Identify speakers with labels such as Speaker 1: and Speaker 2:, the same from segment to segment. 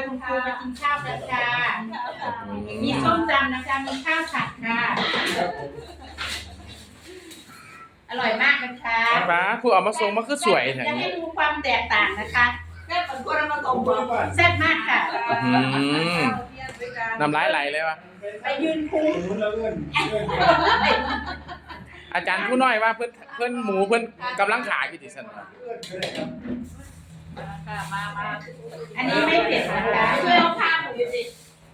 Speaker 1: คุณครูมากินข้าวกันค่ะมีส้มตำนะคะมีข้าวผัดค่ะอร่อยมากนะคะ
Speaker 2: ป้าผู้เอามาส่งมาคือสวยแท้
Speaker 1: จะให้ดูความแตกต่างนะคะแซ่บเหมือนคนมาส่งแซ่บมากค่ะ
Speaker 2: น้ำลายไหลเลยวะ
Speaker 1: ไปยืนคุม
Speaker 2: อาจารย์ผู้น้อยว่าเพิ่นหมูเพิ่นกำลังขายอยู่ที่ซั่น
Speaker 1: มาอันนี้ไม่เผ็ดนะคะช่วยเอาผ้าหมูอยู่สิ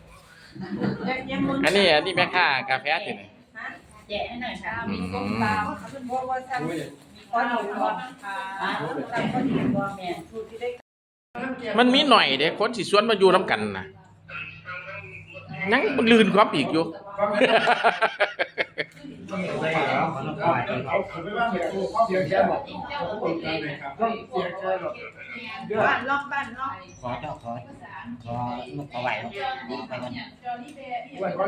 Speaker 2: อันนี้แม่ค้ากาแฟที่ไหน
Speaker 1: แจกให้หน่อยค่ะ
Speaker 2: มีส้มตำมันมีหน่อยเด้คนสิชวนมาอยู่นำกันน่ะยังลื่นความอีกอยู่
Speaker 1: บ้านล็อกบ้านล็อก
Speaker 3: ขอเจ้าขอไหวไปก่อน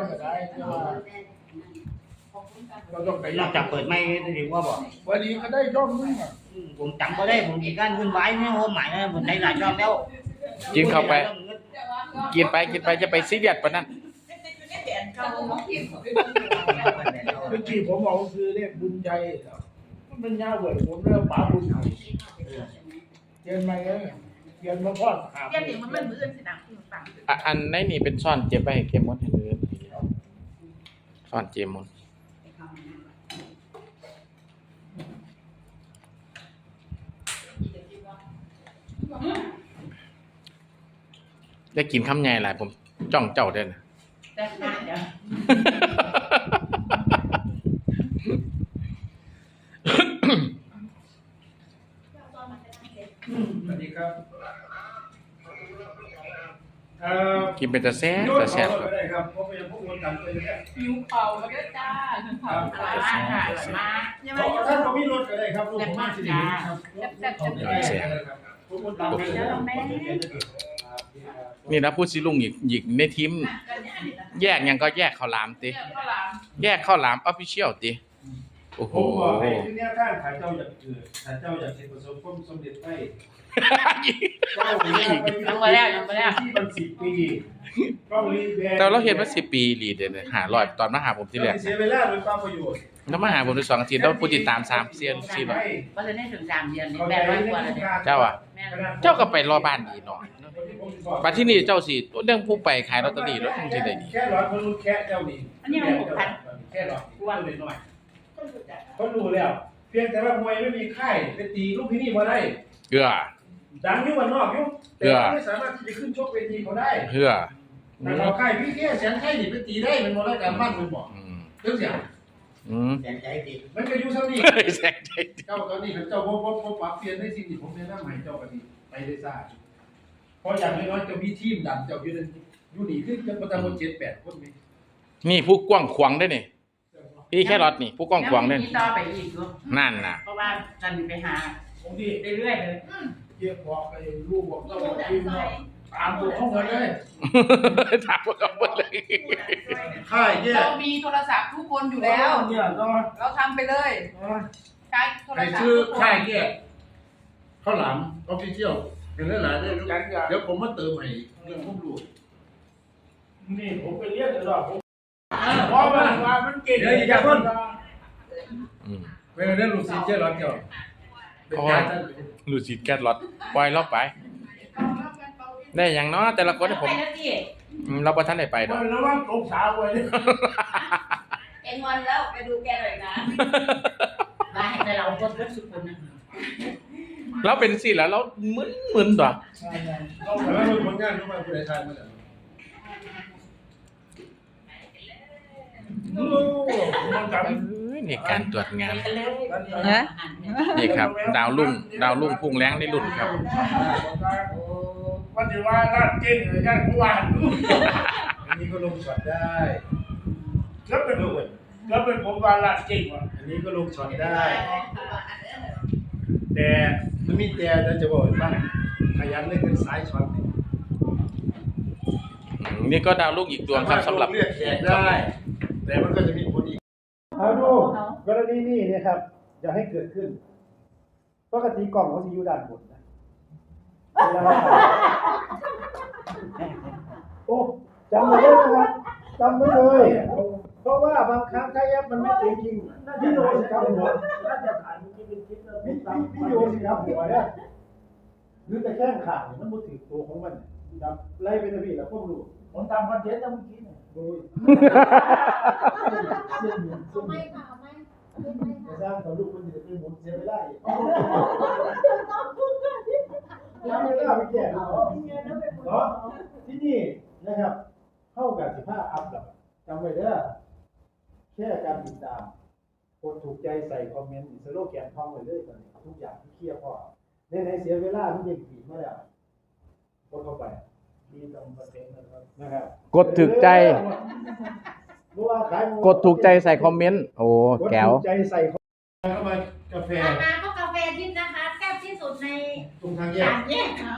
Speaker 3: นอกจากเปิดไม่ได้ดีว่าบอก
Speaker 4: วันนี้เขาได้ร่องนึงอ่ะ
Speaker 3: ผมจำก็ได้ผมมีการวุ่นวายไม่โหหมายนะผมได้หลายรอบแล้ว
Speaker 2: กินเข้าไปกินไปจะไปซีเรียสปะนั่น
Speaker 4: เมื่อกี้ผมบอกคือเรียกบุญใจมันเป็นยาเวิร์ดผมเรียกป๋าบุญไทยเขียนมาเลยเขียนมาพอด
Speaker 1: เขียนอย่างมันมือสินะฟัง
Speaker 2: อันในนี่เป็นซ่อนเจ็บไปเก็บหมดให้เลยซ่อนเจ็บหมดได้กินคำใหญ่หลายผมจ้องเจ้าได้นะ
Speaker 1: ได้ได้เดี๋ยว
Speaker 4: สวัสดีครับ
Speaker 2: กินเป็นตะแซ่บ
Speaker 4: ครับ
Speaker 2: ครับ
Speaker 4: เพราะเป็นพวกคนต่างกันเนี่ย
Speaker 1: หิวเข่าก็ได้จ้าเข่าอร่อยมากค่ะอร่อยมาก
Speaker 4: ท่านก็มีรถก็ได้ครับลูกผมมาสิครับ
Speaker 2: นี่นะพูดสิลุงอีกในทีมแยกยังก็แยกข้าวหลามติแยกข้าวหลามออฟฟิเชียลติโอ้โห
Speaker 4: ผมบอกให้ที่เนี่ยท่านขายเจ้าอยากเกิดขายเจ้าอยากเห็นประสบความสำเร็จไป
Speaker 1: ยังมาแล้ว
Speaker 4: ที่มัน10 ปี
Speaker 2: แต่เราเห็นมา10 ปีลีดเนี่ย500ตอนมาหาผมที่แรก
Speaker 4: เสียเวลาโดยความประโยชน์
Speaker 2: แล้วมาหาผมใน2 อาทิตย์แล้วผู้ติดตาม3 เซียน4แบบ
Speaker 1: ก็จะได้ถึง3 เดือน800 กว่าแล้วเนี่ย
Speaker 2: เจ้าอ่ะเจ้าก็ไปรอบ้านดีเนาะบัดที่นี่เจ้าสิเรื่องผู้ไปขายลอตเตอรี่แล้วจังสิได้ดี
Speaker 4: แค่ร้อยคนรู้แค่เจ้านี่
Speaker 1: อันนี้มัน6,000
Speaker 4: แค่ร้อยอ้วนเลยหน่อยคนรู้แล้วเพียงแต่ว่ามวยไม่มีค่ายไปตีลูกที่นี่มาได้ดังอยู่วันนอกอยู่แต่ไม่สามารถที่จะขึ้นชกเวทีเขาได้แต่เราค่ายพี่แค่แสนไข่ดิไปตีได้เป็นโมเลกุลการบ้านมันบอกเรื่องเสียง
Speaker 3: แสนใจติด
Speaker 4: มันก็อยู่เท่านี้เจ้าตอนนี้เจ้าพบปรับเปลี่ยนได้สิ่งที่ผมแนะนำให้เจ้ากันนี้ไปได้ซ่าเพราะอย่างน้อยๆจะมีทีมดันเจ้าอยู่นี่ขึ้นจะประมาณ7-8 คน
Speaker 2: นี่ผู้กว้างขวางได้นี่พี่แค่รถนี่ผู้กว้างขวางได้
Speaker 1: ต่อไปอีก
Speaker 2: นั่นน่ะ
Speaker 1: เพราะว่าจันไปหาเรื่อยๆเลย
Speaker 4: เยี่ยมบอกไปลูกบอกเจ้าทีมเนาะตามตัวเขาเลย
Speaker 2: ถามพวกเขาหมดเลย
Speaker 4: ค่ายเนี่ย
Speaker 1: เรามีโทรศัพท์ทุกคนอยู่แล้วเราทำไปเลยใช้โทรศัพท์
Speaker 4: ชื่อค่ายเนี่ยข้าวหลามออฟฟิเชียลเป็นหลายๆเดี๋ยวผมมาเติมให้เรื่องผมรู้นี่ผมไปเรียกเลยหรอเพราะว่ามันเก่งเดี๋ยวอย่าเพิ่งไม่ได้ลูกศิษย์เจ้าหรอกเจ้า
Speaker 2: ลูกศิษย์แก๊สรถปล่อยเราไปได้อย่างน้อยแต่ละคนผมเราประทันได้ไปดอก
Speaker 4: แล้วว่าตกสาวไว้
Speaker 1: เอ็งวันแล้วไปดูแกหน่อยนะมาให้แต่เราคนสุดคนนะ
Speaker 2: เราเป็นสิแล้วเรามึนตัว
Speaker 4: เราแต่ว่าเป็นผลงานเข้ามาผู้ใดทายมาแล้ว
Speaker 2: นี่การตรวจงานนี่ครับดาวรุ่งพุ่งแรงในรุ่นครับ
Speaker 4: วันที่ว่าร้านเก่งเลยย่านผู้ว่าอันนี้ก็ลงช็อตได้แล้วเป็นผมว่าร้านเก่งว่ะอันนี้ก็ลงช็อตได้แต่มันมีแต่จะบอกว่าขยันเล่นเป็นสายช็อต
Speaker 2: นี่ก็ดาวรุ่งอีกดวงครับสำหรับ
Speaker 4: เรียกแขกได้แต่มันก็จะมีผลอีกเอาดูกรณีนี้เนี่ยครับอย่าให้เกิดขึ้นปกติกล่องเขาจะอยู่ด้านบนนะจำไว้เลยนะครับจำไว้เลยเพราะว่าบางครั้งถ้าแอปมันไม่จริงจริงพี่โยสิครับหัวน่าจะถ่ายเมื่อกี้เป็นคลิปแล้วพี่โยสิครับหัวเนี่ยหรือแต่แค่ขาดมันบ่ถือตัวของมันครับไล่ไปนะพี่แล้วพวกรู้ผมทำคอนเทนต์แล้วเมื่อกี้เนี่ยดู
Speaker 5: เอาไม่ค่ะเอาไม่
Speaker 4: ไม่สร้างต่อลูกคนจะเป็นหมุนเสียไม่ได้แล้วไม่ได้ไปแก้เนาะที่นี่นะครับเข้ากับ15อัพแล้วจำไว้เด้อแค่การติดตามกดถูกใจใส่คอมเมนต์สโลแกนท่องไว้เลยตอนนี้ทุกอย่างที่เคลียร์พอในเสียเวลามันเด็กผีมาแล้วกดเข้าไปมีตรงประเด็นนะครับ
Speaker 2: กดถูกใจ กดถูกใจใส่คอมเมนต์โอ้แก้ว
Speaker 4: กดถูกใจใส่เข้ามากาแฟ
Speaker 1: มาก็กาแฟทิพย์นะคะแซ่บที่สุดใน
Speaker 4: ตรงทางแย
Speaker 1: สาก มแยกค่ะ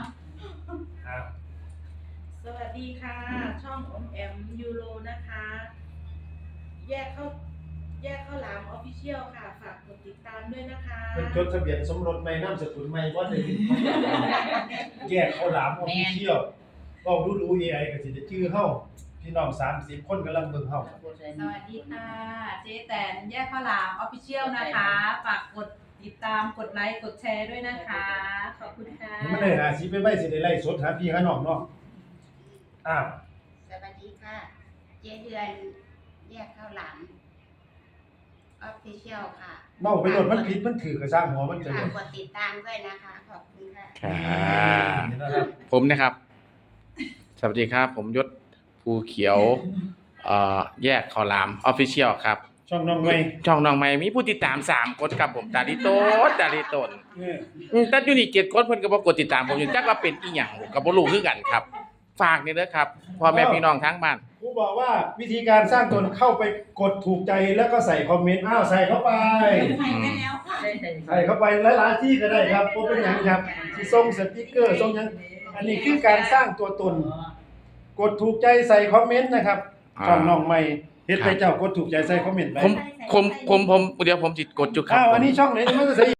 Speaker 5: สวัสดีค่ะ ช่องอมแอมยูโรนะคะ แยกเข้าหลามออฟฟิเชียลค่ะ ฝากกดติดตามด้วยนะคะ
Speaker 4: เป็นจดทะเบียนสมรสไม่นามสกุลไม่ว่าเลยแยกเขาหลามออฟฟิเชียลก็ดู AI ก็สิจะชื่อเฮาพี่น้อง30คนกำลังเบิ่งเฮา
Speaker 5: สวัสดีค่ะ เจ๊แตนแยกข้าวหลามออฟฟิเชียลนะคะ ฝากกดติดตามกดไลค์กดแชร์ด้วยนะคะ ขอบคุณค่ะ
Speaker 4: มันได้หาสิไปไว้สิได้ไล่สดหาพี่หาน้องเนาะอ้าว
Speaker 1: สวัสดีค่ะ เจ๊เดือนแยกข้าวหลามออฟฟิเชียลค่ะ
Speaker 4: เมาไปโดนมันผิดมันถือกระสร้างหัวมันจะ
Speaker 1: ฝา
Speaker 4: เล
Speaker 1: ก
Speaker 4: ย
Speaker 1: กดติดตามด้วยนะคะ ขอบคุณค่ะ
Speaker 2: ครับผมนะครับ สวัสดีครับ ผมยศภูเขียวแยกข้าวหลามออฟฟิเชียลครับ
Speaker 4: ช่องน้องใหม่
Speaker 2: ช่องน้องใหม่มีผู้ติดตาม3คนครับผมดาริโตนแต่อยู่นี่7คนเพิ่นก็บ่กดติดตามผมอยู่จักว่าเป็นอีหยังก็บ่รู้คือกันครับ ฝากนี่เด้อครับพ่อแม่พี่น้องทั้งบ้าน
Speaker 4: ครูบอกว่าวิธีการสร้างตนเข้าไปกดถูกใจแล้วก็ใส่คอมเมนต์อ้าวใส่เข้าไป
Speaker 1: ใส่ไปแล้วค่ะ
Speaker 4: ใส่เข้าไปหลายๆที่ก็ได้ครับบ่เป็นหยังครับสิส่งสติกเกอร์ส่งหยังอันนี้คือการสร้างตัวตน กดถูกใจใส่คอมเมนต์นะครับช่องน้องใหม่เฮ็ดไปเจ้ากดถูกใจใส่คอมเมนต์ไป
Speaker 2: ผมเดี๋ยวผมสิกดจุดครับ
Speaker 4: อ้าวอันนี้ช่องไหนมันจะใส่